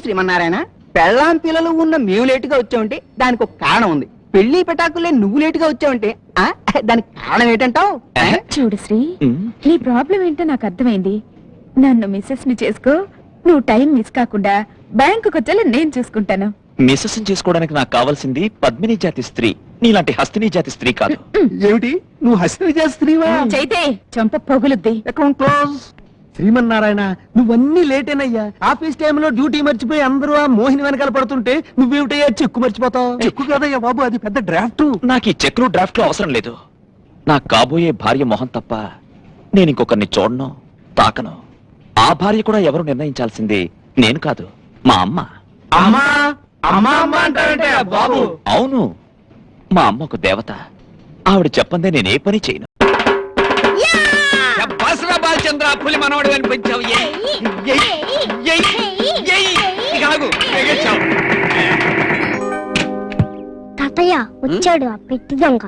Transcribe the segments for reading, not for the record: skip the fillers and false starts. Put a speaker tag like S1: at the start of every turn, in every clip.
S1: శ్రీమన్నారాయణ, పెళ్ళాం పిల్లలు ఉన్న మేము లేటుగా వచ్చామంటే దానికి ఒక కారణం ఉంది. పెళ్లి పెటాకులే నువ్వు లేటుగా వచ్చావంటే దానికి కారణం ఏంటంటావు?
S2: చూడు శ్రీ, నీ ప్రాబ్లం ఏంటో నాకు అర్థమైంది. నన్ను మిస్సెస్ ని చేసుకో, నువ్వు టైం మిస్ కాకుండా బ్యాంకుకి వచ్చేలా నేను చూసుకుంటాను.
S3: మిస్సెస్ చేసుకోవడానికి నాకు కావాల్సింది పద్మిని జాతి స్త్రీ, నీలాంటి హస్తిని జాతి స్త్రీ కాదు.
S1: ఏమిటి, నువ్వు హస్తిని జాతి స్త్రీవా?
S2: చైతే చంప పొగులుద్ది.
S1: Account close. శ్రీమన్నారాయణ, నువ్వన్నీ లేటేనయ్యా. ఆఫీస్ టైంలో డ్యూటీ మర్చిపోయి అందరూ ఆ మోహిని వెనకాల పడుతుంటే నువ్వేమిటయ్యా చెక్కు మర్చిపోతావు? చెక్కు కదయ్యా బాబు, అది పెద్ద డ్రాఫ్ట్.
S3: నాకు ఈ చెక్లు డ్రాఫ్ట్లు అవసరం లేదు. నాకు కాబోయే భార్య మొహం తప్ప నేను ఇంకొకరిని చూడను, తాకను. ఆ భార్య కూడా ఎవరు నిర్ణయించాల్సింది నేను కాదు, మా అమ్మ.
S1: అమ్మా అమ్మా అమ్మా అంటావంటే బాబు?
S3: అవును, మా అమ్మ ఒక దేవత. ఆవిడ చెప్పందే నేనే పని చేయను.
S1: బాలచంద్ర, పులి మనవడు అనిపించావు.
S4: తాతయ్య వచ్చాడు ఆ పెట్టి దొంగ.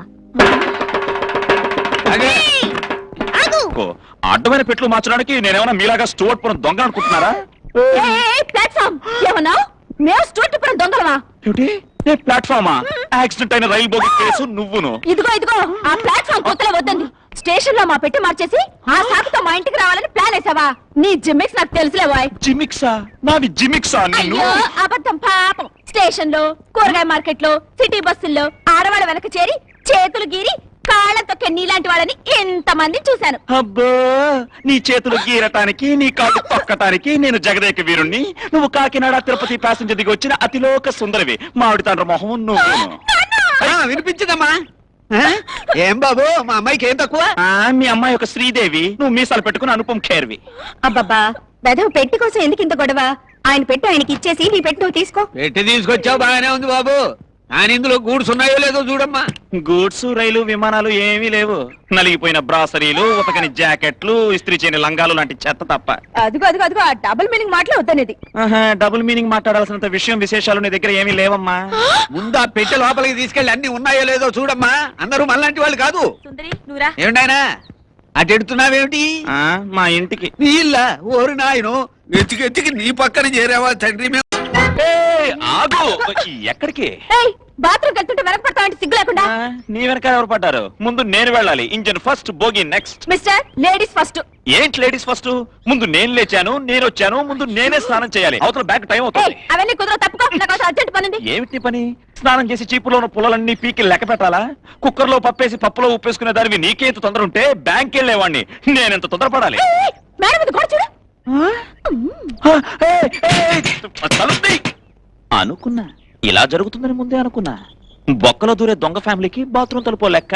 S3: అడ్డమైన పెట్లు మార్చడానికి నేనేమన్నా మీలాగా స్టూవర్ట్ పురం దొంగ అనుకుంటున్నారా?
S2: దొంగలవా?
S3: ప్లాట్ఫామా? యాక్సిడెంట్ అయిన రైలు బోగి కేసు నువ్వును.
S2: ఇదిగో ఇదిగో, ఆ ప్లాట్ఫామ్ కొత్తలో వద్దండి. స్టేషన్ లో మా పెట్టి మార్చేసి ఆ సాకుతో మా ఇంటికి రావాలని ప్లాన్ వేసావా? నీ జిమ్మిక్స్ నాకు తెలుసులే బాయ్.
S3: జిమిక్సా? నావి జిమిక్సా?
S2: అయ్యో అబద్ధం, పాపం. స్టేషన్ లో, కూరగాయ మార్కెట్ లో, సిటీ బస్సుల్లో ఆడవాళ్ళ వెనక చేరి చేతులు గీరి కాళ్ళ తొక్కే నీలాంటి వాళ్ళని ఎంతమంది చూశాను.
S3: అబ్బో, నీ చేతులు గీరటానికి, నీ కాళ్ళు తొక్కటానికి నేను జగదేక వీరుణ్ణి. నువ్వు కాకినాడ తిరుపతి ప్యాసింజర్ దిగి వచ్చిన అతిలోక సుందరివి. మామిడి తండ్రి మొహం నువ్వు.
S1: వినిపించదమ్మా? ఏం బాబు, మా అమ్మాయికి ఏం తక్కువ?
S3: మీ అమ్మాయి ఒక శ్రీదేవి, నువ్వు మీసాలు పెట్టుకుని అనుపం ఖేర్వి.
S2: అబ్బబ్బా, వెధవ పెట్టి కోసం ఎందుకు ఇంత గొడవ? ఆయన పెట్టు ఆయనకి ఇచ్చేసి నీ పెట్టు నువ్వు తీసుకో.
S1: పెట్టి తీసుకొచ్చావు, బాగానే ఉంది బాబు. ఆయన ఇందులో గూడ్స్ ఉన్నాయో లేదో చూడమ్మా.
S3: గూడ్స్, రైలు, విమానాలు ఏమీ లేవు. నలిగిపోయిన బ్రాసరీలు, ఉతకని జాకెట్లు, ఇస్త్రీ చేయని లంగాలు లాంటి చెత్త తప్ప.
S2: అదిగో అదిగో అదిగో, ఆ డబుల్ మీనింగ్ మాటలు వద్దనేది.
S3: డబుల్ మీనింగ్ మాట్లాడాల్సినంత విశేషాలు నీ దగ్గర ఏమీ లేవమ్మా.
S1: ముందు ఆ పెట్టె లోపలికి తీసుకెళ్ళి అన్ని ఉన్నాయో లేదో చూడమ్మా. అందరూ మనలాంటి వాళ్ళు కాదు. ఏమిటాయనా అటు ఎడుతున్నావేమిటి?
S3: మా ఇంటికి.
S1: నీ ఇల్లా? ఓరి నాయను, ఎత్తికి నీ పక్కన చేరావా తండ్రి?
S3: ఆగు. ఎక్కడికి?
S2: బాత్రూమ్ వెళ్తుంటే వెనకపడతావంటే సిగ్గు లేకుండా.
S3: నీ వెనక ఎవరు పడ్డారు? ముందు నేను వెళ్ళాలి. Engine first, bogie next.
S2: Mister, ladies first.
S3: ఏంటి లేడీస్ ఫస్ట్? ముందు నేను లేచాను, నేను వచ్చాను, ముందు నేనే స్నానం చేయాలి. అవతల బ్యాక్ టైం అవుతుంది.
S2: అవన్నీ కుదరవు, తప్పుకో. నాకు అర్జెంట్ పని ఉంది.
S3: ఏమిటి పని? స్నానం చేసి చీపులో ఉన్న పుల్లలన్నీ పీకి లెక్క పెట్టాలా? కుక్కర్ లో పప్పేసి పప్పులో ఉప్పేసుకునే దానివి నీకేంత తొందర ఉంటే బ్యాంక్ వెళ్ళేవాడిని నేనెంత తొందరపడాలి?
S2: మేడం ఇది కూడా చూడు.
S3: అనుకున్నా ఇలా జరుగుతుందని ముందే అనుకున్నా. బొక్కలో దూరే దొంగ ఫ్యామిలీకి బాత్రూమ్ తలుపో లెక్క.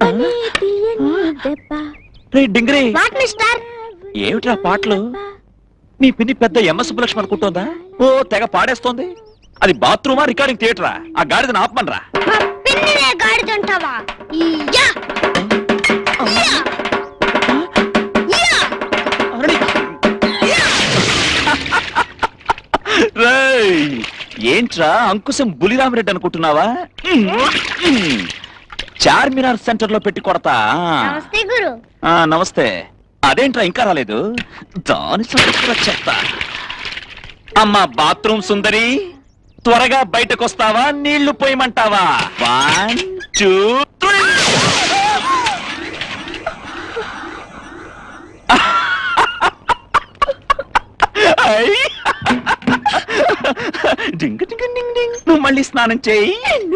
S3: డింగరీ, ఏమిట్రా పాటలు? నీ పిన్ని పెద్ద ఎంఎస్ సుబ్బలక్ష్మి అనుకుంటోందా? ఓ తెగ పాడేస్తోంది. అది బాత్రూమా, రికార్డింగ్ థియేటరా? ఆ గాడిదని ఆపమనరా. ఏంట్రా అంకుశం బులిరామిరెడ్డి అనుకుంటున్నావా? చార్మినార్ సెంటర్ లో పెట్టి కొడతా. నమస్తే. అదేంట్రా ఇంకా రాలేదు? దాని చెప్తా. అమ్మా బాత్రూమ్ సుందరి, త్వరగా బయటకు వస్తావా? నీళ్లు పోయమంటావా? 1 2 3. డింగ్ డింగ్ డింగ్ డింగ్. నువ్వు మళ్ళీ స్నానం చేయి.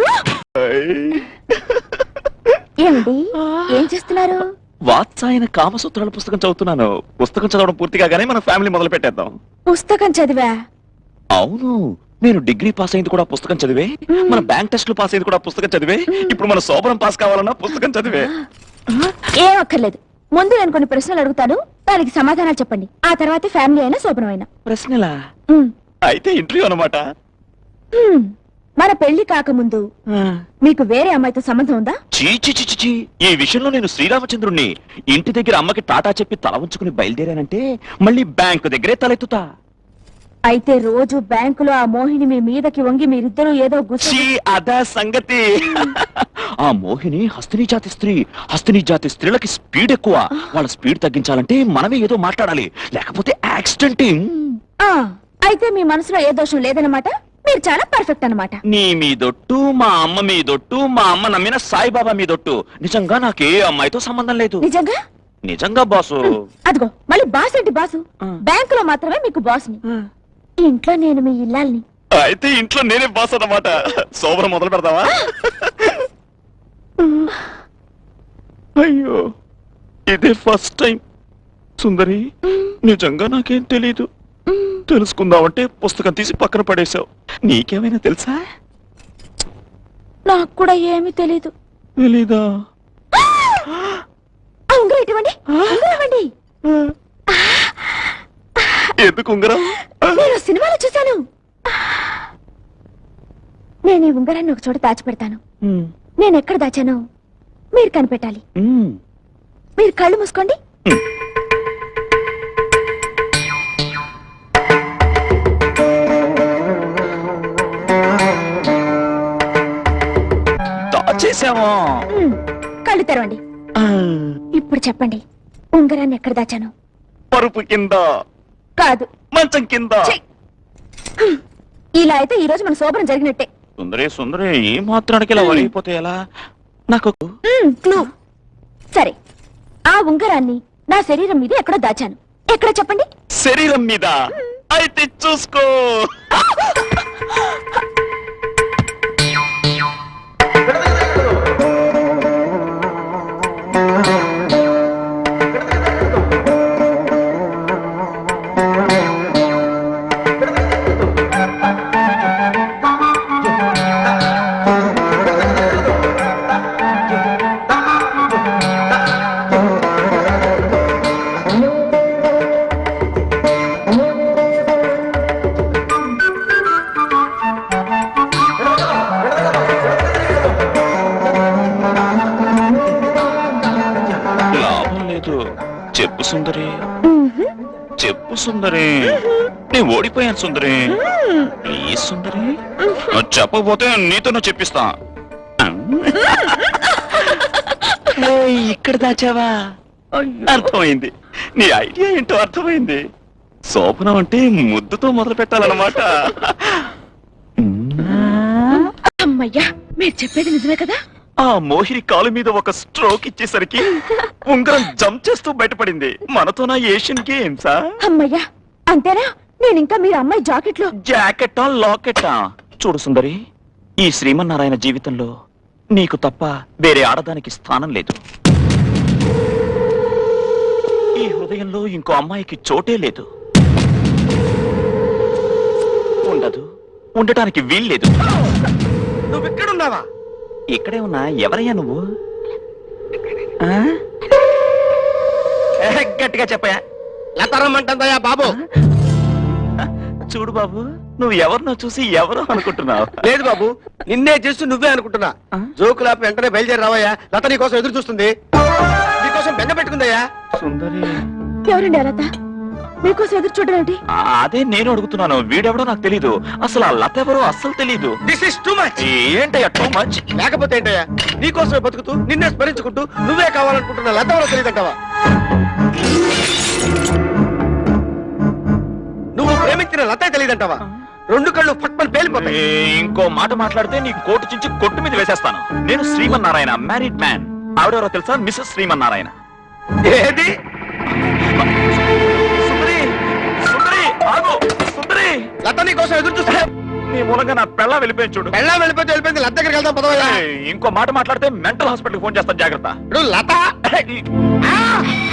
S2: ఏమండి, ఏం చేస్తున్నారు?
S3: వాత్సాయన కామసూత్రాల పుస్తకం చదువుతున్నాను. పుస్తకం చదవడం పూర్తి కాగానే మన ఫ్యామిలీ మొదలు పెట్టేద్దాం.
S2: పుస్తకం చదివా?
S3: అవును, నేను డిగ్రీ పాస్ అయింది కూడా పుస్తకం చదివే. మన బ్యాంక్ టెస్ట్లు పాస్ అయింది కూడా పుస్తకం చదివే. ఇప్పుడు మన శోభనం పాస్ కావాలన్నా పుస్తకం చదివే.
S2: ఏం అక్కర్లేదు, ముందు నేను కొన్ని ప్రశ్నలు అడుగుతాను, దానికి సమాధానాలు చెప్పండి. ఆ తర్వాత ఫ్యామిలీ అయినా శోభనం అయినా.
S3: ప్రశ్నలా? అయితే ఇంటర్వ్యూ అన్నమాట.
S2: మన పెళ్లి కాకముందు మీకు వేరే అమ్మాయితో సంబంధం ఉందా?
S3: చీ, ఈ విషయంలో నేను శ్రీరామచంద్రుణ్ణి. ఇంటి దగ్గర అమ్మకి టాటా చెప్పి తల ఉంచుకుని బయలుదేరానంటే మళ్ళీ బ్యాంకు దగ్గరే తలెత్తుతా.
S2: అయితే రోజు బ్యాంకులో ఆ మోహిని మీ మీదకి వంగి మీరిద్దరూ ఏదో
S3: అదా సంగతి. ఆ మోహిని హస్తిని జాతి స్త్రీ. హస్తిని జాతి స్త్రీలకి స్పీడ్ ఎక్కువ. వాళ్ళ స్పీడ్ తగ్గించాలంటే మనమే ఏదో మాట్లాడాలి, లేకపోతే యాక్సిడెంట్.
S2: అయితే మీ మనసులో ఏ దోషం లేదన్నమాట, మీరు చాలా పర్ఫెక్ట్ అన్నమాట.
S3: నీ మీదొట్టు, మా అమ్మ మీదొట్టు, మా అమ్మ నమ్మిన సాయిబాబా మీదొట్టు. నిజంగా నాకే అమ్మాయితో సంబంధం లేదు.
S2: నిజంగా?
S3: నిజంగా బాసు.
S2: అదిగో మళ్ళీ బాస్ ఏంటి బాసు? బ్యాంకులో మాత్రమే మీకు బాస్ని, ఇంట్లో నేను మీ ఇల్లాల్ని.
S3: అయితే ఇంట్లో నేనే బాస్ అన్నమాట. శోభన మొదలు పెడతావా? అయ్యో, ఇదే ఫస్ట్ టైం. సుందరి, నిజంగా నాకేం తెలీదు. తెలుసుకుందామంటే పుస్తకం తీసి పక్కన పడేశావు. నీకేమైనా తెలుసా?
S2: నాకు కూడా ఏమీ తెలీదు.
S3: తెలీదా?
S2: ఉంగరం ఇటువంటి ఇవ్వండి.
S3: ఎందుకు ఉంగరం?
S2: నేను సినిమాలో చూశాను. నేను ఈ ఉంగరాన్ని ఒక చోట దాచిపెడతాను. నేను ఎక్కడ దాచానో మీరు కనిపెట్టాలి. మీరు కళ్ళు మూసుకోండి.
S3: దాచేసావా?
S2: కళ్ళు తెరవండి. ఇప్పుడు చెప్పండి, ఉంగరాన్ని ఎక్కడ దాచాను?
S3: పరుపు కింద.
S2: కాదు,
S3: మంచం కింద.
S2: ఛీ! ఇలా అయితే ఈ రోజు మన శోభనం జరిగినట్టే.
S3: సుందరి సుందరి, ఏ మాత్రానికి ఇలా వరిగిపోతే ఎలా? నాకు
S2: క్లూ. సరే, ఆ ఉంగరాన్ని నా శరీరం మీద ఎక్కడో దాచాను. ఎక్కడ చెప్పండి?
S3: శరీరం మీద. అయితే చూసుకో. లాభం లేదు. చెప్పు సుందరి, చెప్పు సుందరి. నేను ఓడిపోయాను సుందరి. ప్లీజ్ సుందరి, నువ్వు చెప్పకపోతే నీతో చెప్పిస్తా. ఏయ్, ఇక్కడ దాచావా? అర్థమైంది. నీ ఐడియా ఏంటో అర్థమైంది. శోభనం అంటే ముద్దుతో మొదలు పెట్టాలన్నమాట.
S2: అమ్మయ్యా, మీరు చెప్పేది నిజమే కదా?
S3: ఆ మోహిని కాలు మీద ఒక స్ట్రోక్ ఇచ్చేసరికి ఉంగరం జంప్ చేస్తూ బయటపడింది. మనతోనా ఏషియన్ గేమ్సా?
S2: అమ్మయ్యా, అంతేనా? నేను ఇంకా మీరు అమ్మాయి జాకెట్లో.
S3: జాకెట్టా లాకెట్టా? చూడు సుందరి, ఈ శ్రీమన్నారాయణ జీవితంలో నీకు తప్ప వేరే ఆడదానికి స్థానం లేదు. ఈ హృదయంలో ఇంకో అమ్మాయికి చోటే లేదు. ఉండదు, ఉండటానికి వీల్లేదు.
S1: నువ్వు ఇక్కడున్నావా?
S3: ఇక్కడే ఉన్నా. ఎవరయ్యా నువ్వు? గట్టిగా చెప్పయా.
S1: లతరమ్మంటుందయ్యా బాబు.
S3: చూడు బాబు, నువ్వు ఎవరినో చూసి ఎవరో అనుకుంటున్నావు.
S1: లేదు బాబు, నిన్నే చేస్తూ నువ్వే అనుకుంటున్నా. జోకులాపి వెంటనే బయలుదేరి రావయ్యా. లత నీ కోసం ఎదురు చూస్తుంది. నీకోసం బెంగ పెట్టుకుందయ్యా.
S3: సుందరి,
S2: ఎవరండి లత? మీకోసం ఎదురు చూడడం ఏంటి?
S3: అదే నేను అడుగుతున్నాను. వీడెవడో నాకు తెలీదు. అసలు ఆ లత ఎవరో అస్సలు తెలీదు.
S1: This is too much.
S3: ఏంటయ్యా టూ మచ్?
S1: లేకపోతే ఏంటయ్యా, నీకోసమే బతుకుతూ నిన్నే స్మరించుకుంటూ నువ్వే కావాలనుకుంటున్నా లత ఎవరో తెలియదంటావా? నువ్వు ప్రేమించిన లతే తెలియదంటావా? రెండు కళ్ళు ఫట్మని పేలిపోతాయి.
S3: ఇంకో మాట మాట్లాడితే నీ కోటు చించి కొట్టు మీద వేసేస్తాను. నేను శ్రీమన్నారాయణ, మ్యారీడ్ మ్యాన్. ఆవిడెవరో తెలుసా? మిస్సెస్ శ్రీమన్నారాయణ.
S1: ఏది?
S3: సుందరి, సుందరి, ఆగు. సుందరి,
S1: లత నీ కోసం ఎదురు చూస్తా.
S3: నీ మూలంగా నా పెళ్ళ వెళ్ళిపోయింది చూడు.
S1: పెళ్ళా వెళ్ళిపోతే వెళ్ళిపోయింది. లత దగ్గరికి వెళ్దాం పదవయ్యా.
S3: ఇంకో మాట మాట్లాడితే మెంటల్ హాస్పిటల్ ఫోన్ చేస్తాను, జాగ్రత్త.
S1: ఇప్పుడు లత. ఆ!